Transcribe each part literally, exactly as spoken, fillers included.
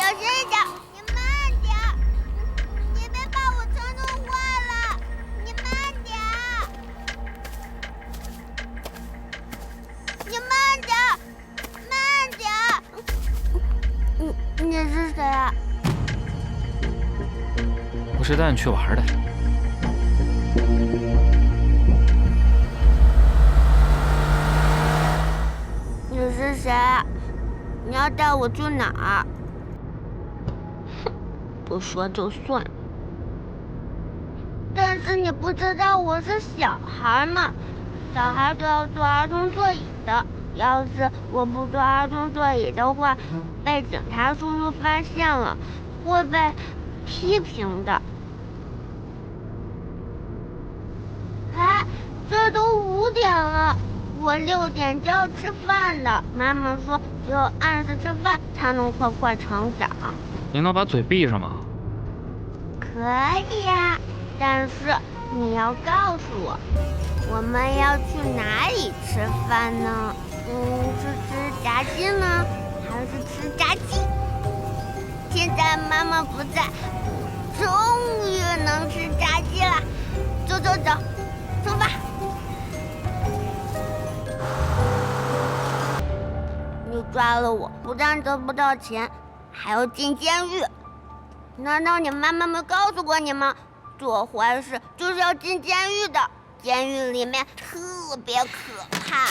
小心一点，你慢点，你别把我车弄坏了，你慢点，你慢点，慢点。你你是谁啊？ 我是带你去玩的。 你是谁？你要带我去哪儿？哼，不说就算。但是你不知道我是小孩吗？小孩都要坐儿童座椅的。要是我不坐儿童座椅的话，被警察叔叔发现了，会被批评的。哎，这都五点了。我六点就要吃饭了，妈妈说只有按时吃饭才能快快成长。 你能把嘴闭上吗？ 可以呀，但是你要告诉我，我们要去哪里吃饭呢？嗯，是吃炸鸡呢，还是吃炸鸡？现在妈妈不在，终于能吃炸鸡了。走走走，出发！你抓了我，不但得不到钱，还要进监狱。难道你妈妈没告诉过你吗？做坏事就是要进监狱的，监狱里面特别可怕。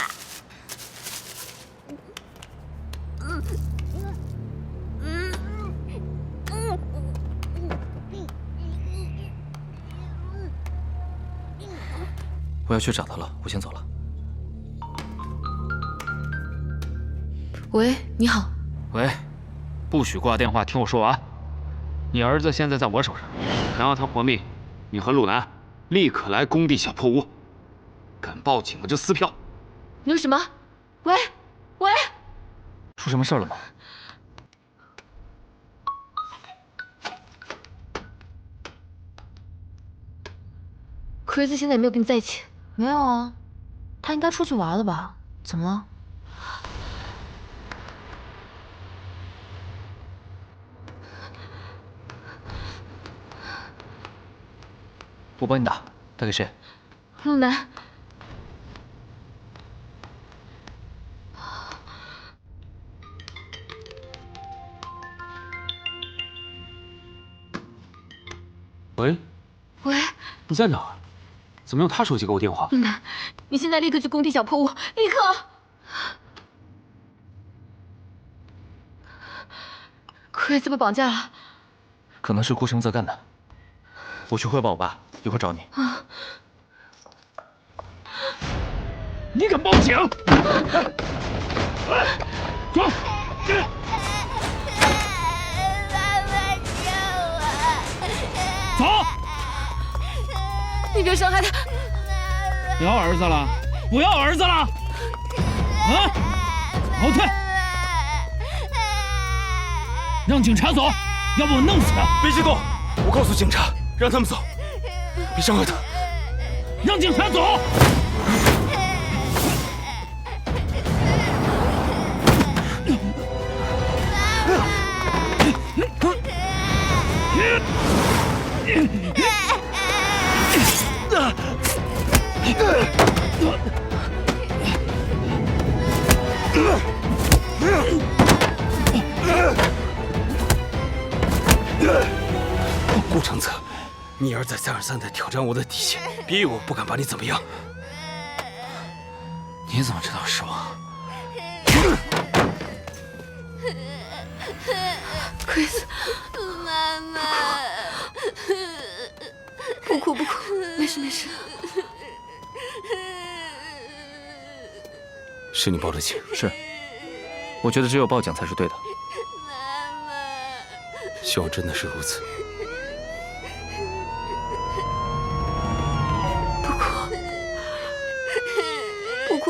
嗯嗯嗯我要去找他了，我先走了。 喂，你好。 喂，不许挂电话，听我说完。你儿子现在在我手上， 想要他活命，你和鲁南立刻来工地小破屋。敢报警的就撕票。 你说什么？喂，喂， 出什么事了吗？ 克瑞斯现在也没有跟你在一起。 没有啊，他应该出去玩了吧？怎么了？ 我帮你打，打给谁？ 陆南。 喂， 喂， 你在哪儿？怎么用他手机给我电话？ 陆南，你现在立刻去工地小破屋，立刻！克瑞斯被绑架了， 可能是顾生泽干的。我去汇报我爸，一会儿找你。 啊！ 你敢报警？走！走！ 你别伤害他！ 不要儿子了，不要儿子了！啊！后退！让警察走，要不我弄死他！ 别激动，我告诉警察，让他们走，别伤害他。 让警察走！ 顾承泽，你儿再三而三的挑战我的底线，逼我不敢把你怎么样。 你怎么知道是我？ 克里斯， 妈妈， 不哭不哭，没事没事。 是你报的警？ 是，我觉得只有报警才是对的。 妈妈， 希望真的是如此。